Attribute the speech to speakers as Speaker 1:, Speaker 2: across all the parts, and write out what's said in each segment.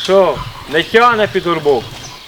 Speaker 1: Що, не тягне під горбок?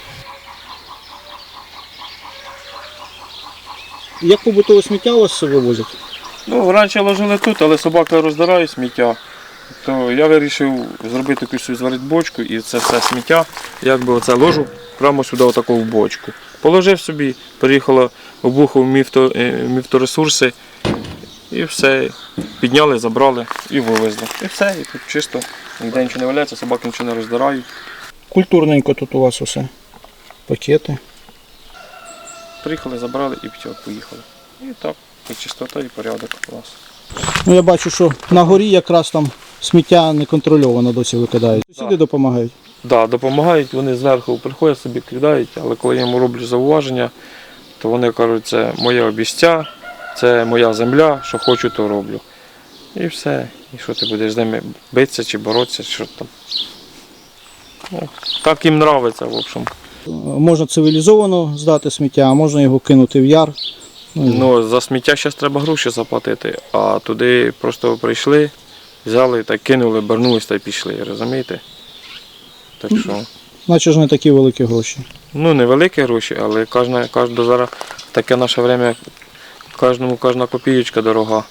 Speaker 2: Як побутове сміття у вас вивозять?
Speaker 1: Ну, раніше ложили тут, але собака роздирає сміття. То я вирішив зробити якусь зварити бочку і це все сміття, якби оце ложу прямо сюди отаку в бочку. Положив собі, приїхало, обухав міфторесурси і все. Підняли, забрали і вивезли. І все, і тут чисто, ніде нічого не валяється, собаки нічого не роздирають.
Speaker 2: Культурненько тут у вас усе. Пакети.
Speaker 1: Приїхали, забрали і все, поїхали. І так, і чистота, і порядок у нас.
Speaker 2: Ну, я бачу, що на горі якраз там сміття неконтрольовано досі викидають. Сусіди допомагають.
Speaker 1: Так, допомагають, вони зверху приходять собі, кидають, але коли я йому роблю зауваження, то вони кажуть, це моє обіця, це моя земля, що хочу, то роблю. І все. І що ти будеш з ними битися чи боротися, що там. Ну, так їм подобається, в общем.
Speaker 2: Можна цивілізовано здати сміття, а можна його кинути в яр.
Speaker 1: Ну, за сміття зараз треба гроші заплатити, а туди просто прийшли, взяли та кинули, обернулись та й пішли, розумієте? Так що.
Speaker 2: Наче ж не такі великі гроші.
Speaker 1: Ну, невеликі гроші, але кожна зараз таке наше время, кожна копієчка дорога.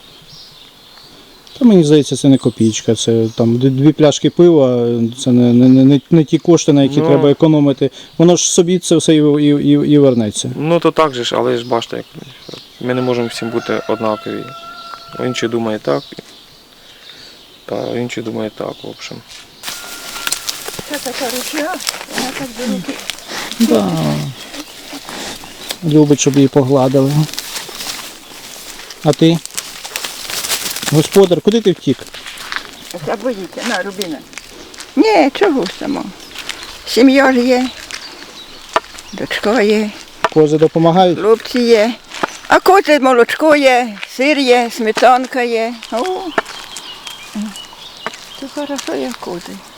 Speaker 2: Та мені здається, це не копійка, це там 2 пляшки пива, це не ті кошти, на які треба економити. Воно ж собі це все і вернеться.
Speaker 1: Ну то так же ж, але ж бачите, ми не можемо всім бути однакові. Інші думають так, та інші думають так, в общем.
Speaker 3: Це така ручна, вона так до руки.
Speaker 2: Да. Любить, щоб її погладили. А ти? Господар, куди ти втік?
Speaker 3: Це боїться, на, Рубіна. Ні, чого само. Сім'я ж є, дочка є,
Speaker 2: Кози допомагають?
Speaker 3: хлопці є. А кози молочко є, сир є, сметанка є. О, це хорошо, як кози.